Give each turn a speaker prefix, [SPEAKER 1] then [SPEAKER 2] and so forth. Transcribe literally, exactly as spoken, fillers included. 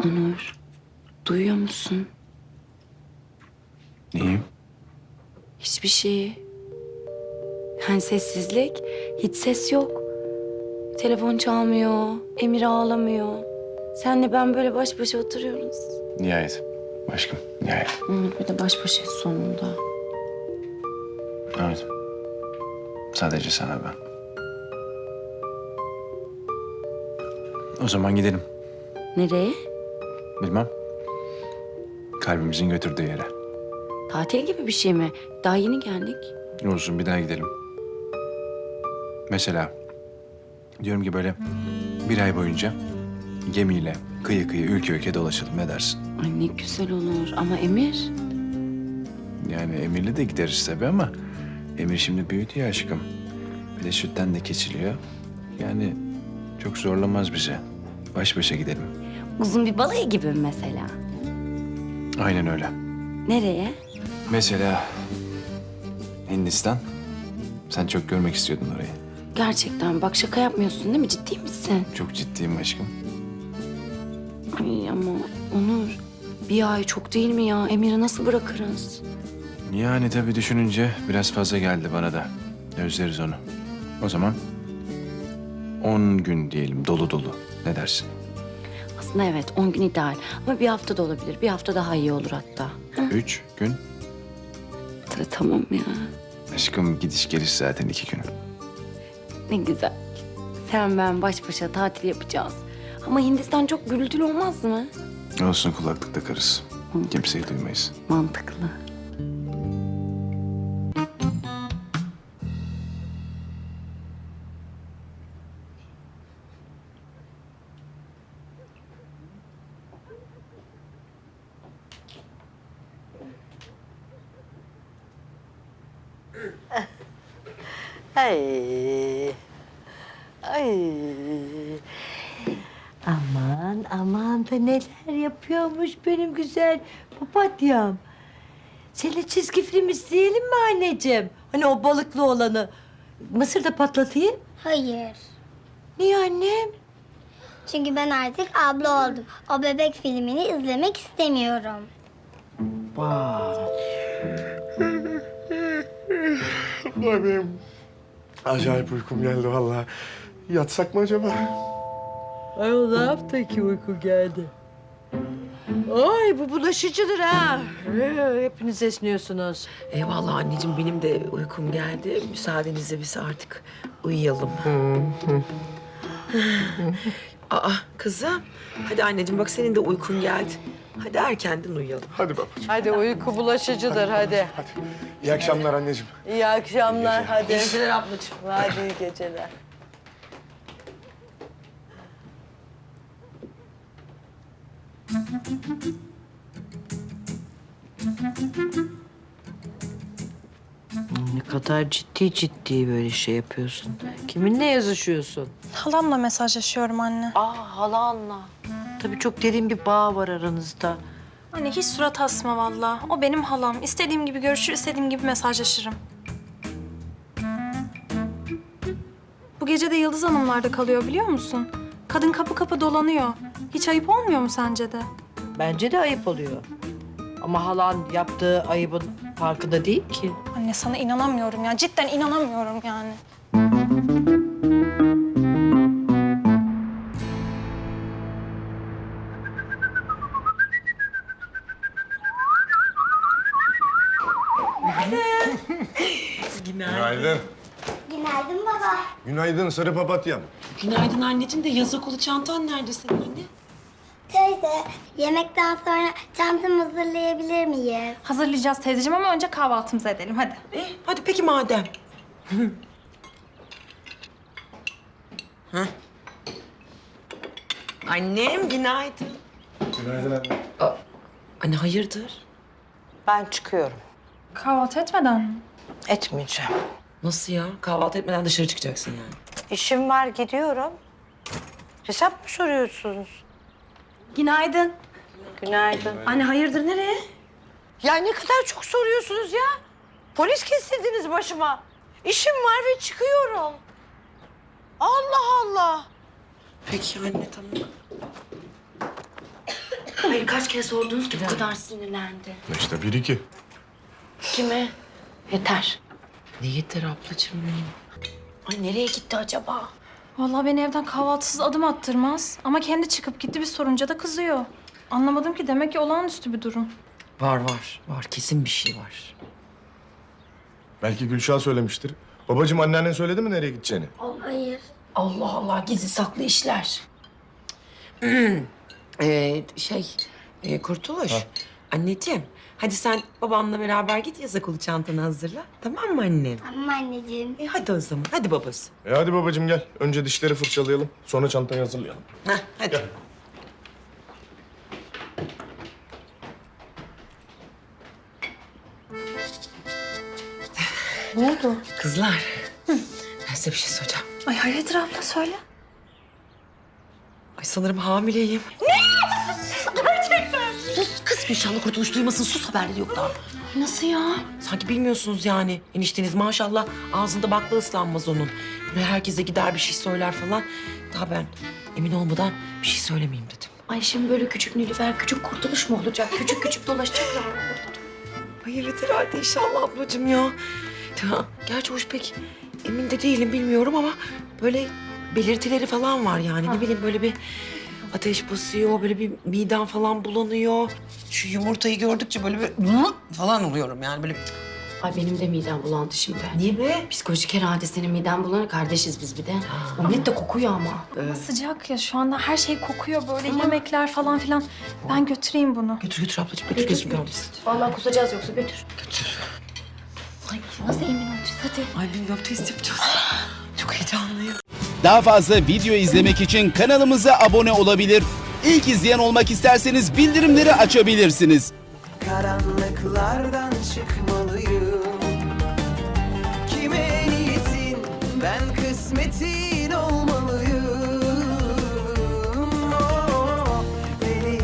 [SPEAKER 1] Onur, duyuyor musun?
[SPEAKER 2] İyiyim.
[SPEAKER 1] Hiçbir şey. Yani sessizlik, hiç ses yok. Telefon çalmıyor, Emir ağlamıyor. Senle ben böyle baş başa oturuyoruz.
[SPEAKER 2] Nihayet. Aşkım, nihayet.
[SPEAKER 1] Onur bir de baş başayız sonunda.
[SPEAKER 2] Evet. Sadece sana ben. O zaman gidelim.
[SPEAKER 1] Nereye?
[SPEAKER 2] Bilmem. Kalbimizin götürdüğü yere.
[SPEAKER 1] Tatil gibi bir şey mi? Daha yeni geldik.
[SPEAKER 2] Olsun, bir daha gidelim. Mesela diyorum ki böyle bir ay boyunca gemiyle kıyı kıyı ülke ülke dolaşalım, ne dersin?
[SPEAKER 1] Ay ne güzel olur ama Emir.
[SPEAKER 2] Yani Emir'le de gideriz tabii ama Emir şimdi büyüdü ya aşkım. Bir de sütten de keçiliyor. Yani çok zorlamaz bize. Baş başa gidelim.
[SPEAKER 1] Uzun bir balayı gibi mi mesela?
[SPEAKER 2] Aynen öyle.
[SPEAKER 1] Nereye?
[SPEAKER 2] Mesela Hindistan. Sen çok görmek istiyordun orayı.
[SPEAKER 1] Gerçekten bak şaka yapmıyorsun değil mi? Ciddi misin?
[SPEAKER 2] Çok ciddiyim aşkım.
[SPEAKER 1] Ay ama Onur bir ay çok değil mi ya? Emir'i nasıl bırakırız?
[SPEAKER 2] Yani tabii düşününce biraz fazla geldi bana da. Özleriz onu. O zaman on gün diyelim dolu dolu. Ne dersin?
[SPEAKER 1] Aslında evet on gün ideal ama bir hafta da olabilir. Bir hafta daha iyi olur hatta.
[SPEAKER 2] Üç gün.
[SPEAKER 1] Ta- Tamam ya.
[SPEAKER 2] Aşkım gidiş geliş zaten iki gün.
[SPEAKER 1] Ne güzel. Sen ben baş başa tatil yapacağız. Ama Hindistan çok gürültülü olmaz mı?
[SPEAKER 2] Olsun, kulaklık takarız. Kimseyi duymayız.
[SPEAKER 1] Mantıklı.
[SPEAKER 3] Ay. Ay. Aman aman da neler yapıyormuş benim güzel papatyam. Seninle çizgi film izleyelim mi anneciğim? Hani o balıklı olanı. Mısır da patlatayım.
[SPEAKER 4] Hayır.
[SPEAKER 3] Niye annem?
[SPEAKER 4] Çünkü ben artık abla oldum. O bebek filmini izlemek istemiyorum.
[SPEAKER 5] Ay benim acayip uykum geldi vallahi. Yatsak mı acaba?
[SPEAKER 3] Ay o ne yaptı ki uyku geldi? Ay bu bulaşıcıdır ha. Ee, Hepiniz esniyorsunuz.
[SPEAKER 6] Eyvallah anneciğim, benim de uykum geldi. Müsaadenizle biz artık uyuyalım. Aa kızım, hadi anneciğim bak senin de uykun geldi. Hadi erkenden uyuyalım.
[SPEAKER 5] Hadi babacığım.
[SPEAKER 3] Hadi uyku bulaşıcıdır hadi.
[SPEAKER 5] Hadi. İyi akşamlar anneciğim.
[SPEAKER 3] İyi akşamlar hadi.
[SPEAKER 6] İyi geceler ablacığım.
[SPEAKER 3] Hadi iyi geceler. Ne kadar ciddi ciddi böyle şey yapıyorsun. Kiminle yazışıyorsun?
[SPEAKER 7] Halamla mesajlaşıyorum anne.
[SPEAKER 3] Aa halanla. Tabii çok derin bir bağ var aranızda.
[SPEAKER 7] Anne hiç surat asma vallahi. O benim halam. İstediğim gibi görüşür, istediğim gibi mesajlaşırım. Bu gece de Yıldız Hanımlar'da kalıyor biliyor musun? Kadın kapı kapı dolanıyor. Hiç ayıp olmuyor mu sence de?
[SPEAKER 3] Bence de ayıp oluyor. Ama halan yaptığı ayıbın farkında değil ki.
[SPEAKER 7] Anne sana inanamıyorum ya. Cidden inanamıyorum yani.
[SPEAKER 5] Günaydın.
[SPEAKER 4] Günaydın baba.
[SPEAKER 5] Günaydın sarı papatyam.
[SPEAKER 6] Günaydın anneciğim de yazık olu çantan nerede senin anne?
[SPEAKER 4] Teyze, yemekten sonra çantamı hazırlayabilir miyiz?
[SPEAKER 7] Hazırlayacağız teyzeciğim ama önce kahvaltımızı edelim hadi.
[SPEAKER 6] Eh, hadi peki madem. Hah. Annem günaydın.
[SPEAKER 5] Günaydın anne.
[SPEAKER 6] Anne hayırdır?
[SPEAKER 3] Ben çıkıyorum.
[SPEAKER 7] Kahvaltı etmeden mi?
[SPEAKER 3] Etmeyeceğim.
[SPEAKER 6] Nasıl ya? Kahvaltı etmeden dışarı çıkacaksın yani.
[SPEAKER 3] İşim var gidiyorum. Hesap mı soruyorsunuz?
[SPEAKER 7] Günaydın.
[SPEAKER 3] Günaydın.
[SPEAKER 7] Anne hayırdır nereye?
[SPEAKER 3] Ya ne kadar çok soruyorsunuz ya. Polis kestirdiniz başıma. İşim var ve çıkıyorum. Allah Allah.
[SPEAKER 6] Peki anne tamam.
[SPEAKER 1] Hayır kaç kere sordunuz ki bu kadar sinirlendi.
[SPEAKER 5] İşte bir iki.
[SPEAKER 1] Kime? Yeter.
[SPEAKER 6] Ne yeter ablacığım benim.
[SPEAKER 1] Ay nereye gitti acaba?
[SPEAKER 7] Vallahi beni evden kahvaltısız adım attırmaz. Ama kendi çıkıp gitti, bir sorunca da kızıyor. Anlamadım ki, demek ki olağanüstü bir durum.
[SPEAKER 6] Var var. Var kesin bir şey var.
[SPEAKER 5] Belki Gülşah söylemiştir. Babacığım anneannen söyledi mi nereye gideceğini?
[SPEAKER 4] Hayır.
[SPEAKER 1] Allah Allah gizli saklı işler.
[SPEAKER 6] Ee, şey e, Kurtuluş. Anneciğim hadi sen babanla beraber git, yaza kolu çantanı hazırla. Tamam mı annem?
[SPEAKER 4] Tamam anneciğim.
[SPEAKER 6] E, hadi o zaman. Hadi babası.
[SPEAKER 5] E hadi babacığım gel. Önce dişleri fırçalayalım. Sonra çantayı hazırlayalım.
[SPEAKER 6] Heh, hadi.
[SPEAKER 5] Gel.
[SPEAKER 7] Ne oldu?
[SPEAKER 6] Kızlar. Ben size bir şey soracağım.
[SPEAKER 7] Ay hayırdır abla, söyle.
[SPEAKER 6] Ay sanırım hamileyim.
[SPEAKER 1] Sus kız Gülşah'la Kurtuluş duymasın. Sus, haberleri yok daha. Nasıl ya?
[SPEAKER 6] Sanki bilmiyorsunuz yani. Enişteniz maşallah ağzında bakla ıslanmaz onun. Böyle herkese gider bir şey söyler falan. Daha ben emin olmadan bir şey söylemeyeyim dedim.
[SPEAKER 1] Ay şimdi böyle küçük Nilüfer, küçük Kurtuluş mu olacak? Küçük küçük dolaşacaklar mı burada?
[SPEAKER 6] Ay evet herhalde inşallah ablacığım ya. Ya, gerçi hoş pek emin de değilim, bilmiyorum ama böyle belirtileri falan var yani. Ne bileyim böyle bir ateş basıyor, böyle bir midem falan bulanıyor. Şu yumurtayı gördükçe böyle bir falan oluyorum yani böyle.
[SPEAKER 1] Ay benim de midem bulandı şimdi.
[SPEAKER 6] Niye be?
[SPEAKER 1] Psikolojik herhalde senin miden bulanır. Kardeşiz biz bir de. Omlet de kokuyor ama.
[SPEAKER 7] Ama sıcak ya, şu anda her şey kokuyor böyle, yemekler falan filan. Ben götüreyim bunu.
[SPEAKER 6] Götür götür ablacığım, götür gözüm görmesin.
[SPEAKER 1] Vallahi kusacağız yoksa götür.
[SPEAKER 6] Götür.
[SPEAKER 1] Ay nasıl emin olacağız? Hadi.
[SPEAKER 6] Ay bilmiyorum, test yapacağız. Çok heyecanlıyım.
[SPEAKER 8] Daha fazla video izlemek için kanalımıza abone olabilir. İlk izleyen olmak isterseniz bildirimleri açabilirsiniz.
[SPEAKER 9] Karanlıklardan çıkmalıyım. Kime niyetin ben kısmetin olmalıyım.